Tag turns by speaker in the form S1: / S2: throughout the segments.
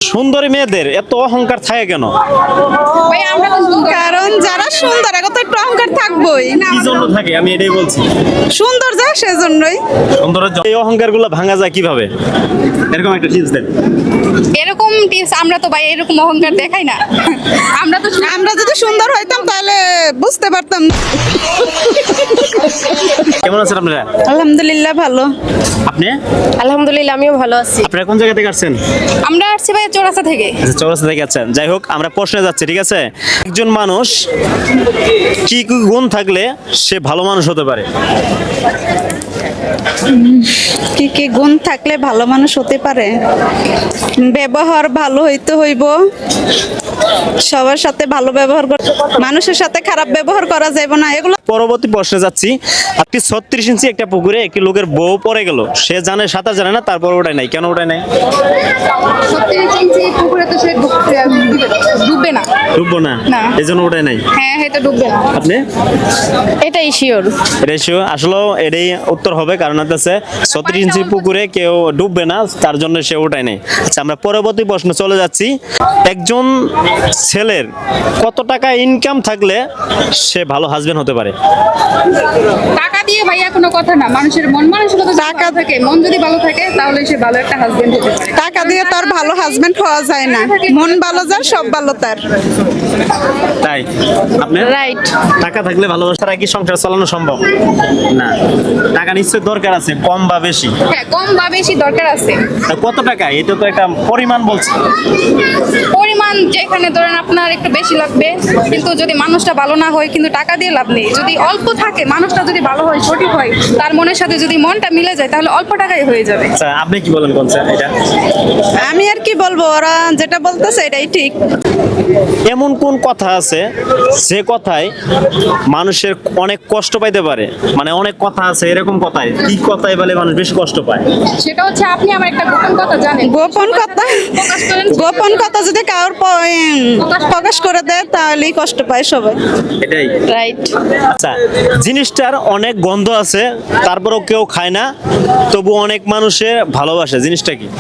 S1: সুন্দরী মেয়েদের এত অহংকার থাকে কেন?
S2: ভাই আমরা তো সুন্দর।
S3: কারণ যারা সুন্দর এখন তো একটু অহংকার থাকবোই না,
S1: কি জন্য থাকে আমি এটাই বলছি।
S3: সুন্দর যা সেজন্যই।
S1: সুন্দরের এই অহংকার গুলো ভাঙা যায় কিভাবে? এরকম একটা টিপস দেন।
S2: এরকম টিপস আমরা তো ভাই এরকম অহংকার দেখাই না। আমরা তো
S3: আমরা যদি সুন্দর হইতাম তাহলে বুঝতে পারতাম।
S1: কেমন আছেন আপনারা?
S3: আলহামদুলিল্লাহ ভালো।
S1: আপনি
S4: আলহামদুলিল্লাহ আমিও ভালো আছি।
S1: আপনারা কোন জায়গা থেকে আসছেন?
S2: আমরা আসছি ভাই চৌরাস্তা থেকে।
S1: আচ্ছা, চৌরাস্তা থেকে আছেন। যাই হোক, আমরা প্রশ্নে যাচ্ছি, ঠিক আছে? একজন মানুষ কি কি গুণ থাকলে সে ভালো মানুষ হতে পারে?
S3: কি কি গুণ থাকলে ভালো মানুষ হতে পারে? ব্যবহার ভালো হইতে হইব, সবার সাথে ভালো ব্যবহার করতে, মানুষের সাথে খারাপ ব্যবহার করা যাবে না, এগুলো।
S1: পরবর্তী প্রশ্নে যাচ্ছি। আপনি 36 ইঞ্চি একটা পুকুরে একটি লোকের বউ পড়ে গেল, সে জানে সাঁতার জানে না, তারপর ওটাই নাই, কেন ওটাই নাই?
S2: 36 ইঞ্চি পুকুরে তো সে ডুববে না।
S1: ডুববো না,
S2: না।
S1: এই জন্য ওটাই নাই।
S2: হ্যাঁ হয়তো ডুববে না।
S1: আপনি
S4: এটাই শিওর।
S1: রেশিও আসলে এটাই উত্তর হবে, কারণ হচ্ছে 36 ইঞ্চি পুকুরে কেউ ডুববে না, তার জন্য সে ওটাই নেই। আচ্ছা, আমরা পরবর্তী প্রশ্ন চলে যাচ্ছি। একজন ছেলের কত টাকা ইনকাম থাকলে সে ভালো হাজবেন্ড হতে পারে?
S2: টাকা দিয়ে ভাইয়া কোনো কথা না, মানুষের মন মানসিকতা টাকা থাকে, মন যদি ভালো থাকে তাহলে সে ভালো একটা হাজবেন্ড হতে পারে।
S3: টাকা দিয়ে তো আর ভালো হাজবেন্ড হওয়া যায় না। মন ভালো যার সব ভালো তার।
S1: তাই আপনি
S4: রাইট।
S1: টাকা থাকলে ভালোবাসার কি সংসার চালানো সম্ভব না? টাকা নিশ্চয়ই দরকার আছে, কম বা বেশি।
S2: হ্যাঁ কম বা বেশি দরকার আছে।
S1: তা কত টাকা? এটা তো একটা পরিমাণ বলছে।
S2: পরিমাণ যেখানে ধরেন আপনার একটু বেশি লাগবে, কিন্তু যদি মানুষটা ভালো না হয় কিন্তু টাকা দিয়ে লাভ নেই। যদি অল্প থাকে, মানুষটা যদি ভালো হয়, সঠিক হয়, তার মনের সাথে যদি মনটা মিলে যায় তাহলে অল্প টাকায় হয়ে যাবে।
S1: আচ্ছা, আপনি কি বলেন কোন স্যার এটা?
S3: আমি আর কি বলবো, ওরা যেটা বলতেছে এটাই ঠিক।
S1: এমন কোন কথা আছে যে কথায় মানুষের অনেক কষ্ট পাইতে পারে? মানে অনেক কথা আছে, এরকম কথায় কি কথায় বলে মানুষ বেশি কষ্ট পায়?
S2: সেটা হচ্ছে আপনি আমার একটা গোপন কথা জানেন।
S3: গোপন কথা,
S2: প্রকাশ করেন।
S3: গোপন কথা যদি কারোর প্রকাশ করে দেয় তাহলেই কষ্ট পায় সবাই।
S1: এটাই
S4: রাইট।
S1: আচ্ছা, জিনিসটার অনেক গন্ধ আছে, তারপরেও কেউ খায় না, তবু অনেক মানুষের ভালোবাসে। জিনিসটা কি?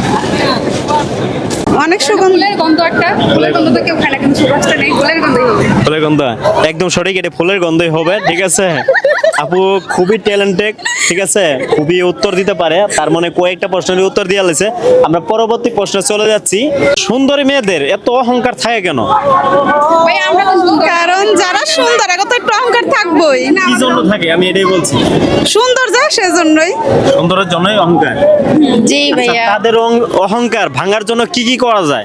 S3: অনেক সুগন্ধ।
S2: ফুলের গন্ধ একটা, ফুলের গন্ধ তো কেউ খায় না, কিন্তু সুবাসটা নেই, ফুলের গন্ধই হবে।
S1: ফুলের গন্ধ, একদম সঠিক। এটা ফুলের গন্ধই হবে, ঠিক আছে? আপু খুবই ট্যালেন্টেড, ঠিক আছে? খুবই উত্তর দিতে পারে, তার মানে কয়েকটা প্রশ্নের উত্তর দিয়ে আলেছে। আমরা পরবর্তী প্রশ্নে চলে যাচ্ছি। সুন্দরী মেয়েদের এত অহংকার থাকে কেন?
S2: ভাই আমরা তো সুন্দর।
S3: কারণ যারা সুন্দর এখন তো একটু অহংকার থাকবোই না,
S1: কি জন্য থাকে আমি এটাই বলছি।
S3: সুন্দর যা সেজন্যই।
S1: সুন্দরের জন্যই অহংকার।
S4: জি
S1: আচ্ছা,
S4: ভাইয়া।
S1: তাদের অহংকার ভাঙার জন্য কি কি করা যায়?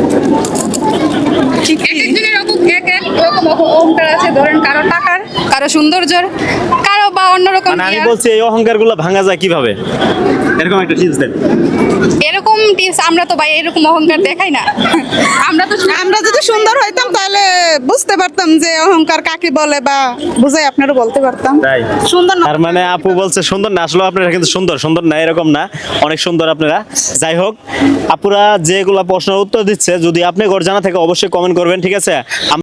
S2: এক একজনের এক এক রকম অহংকার আছে। ধরেন কারো টাকার, কারো সৌন্দর্যের, কারো বা অন্যরকম
S1: মানে আমি
S2: ইয়ার।
S1: বলছি এই অহংকার গুলো ভাঙা যায় কিভাবে? এরকম একটা টিপস দেন।
S2: এরকম টিপস আমরা তো ভাই এরকম অহংকার দেখাই না।
S3: আমরা যদি সুন্দর হইতাম তাহলে বুঝতে পারতাম যে অহংকার কাকে বলে, বা বুঝাই আপনারা বলতে পারতাম।
S1: তাই
S3: সুন্দর না।
S1: তার মানে আপু বলছে সুন্দর না, আসলে আপনারা কিন্তু সুন্দর সুন্দর না, এরকম না, অনেক সুন্দর আপনারা। যাই হোক, আপুরা যেগুলা প্রশ্নের উত্তর দিচ্ছে, যদি আপনি ঘর জানা থাকে অবশ্যই কমেন্ট করবেন, ঠিক আছে?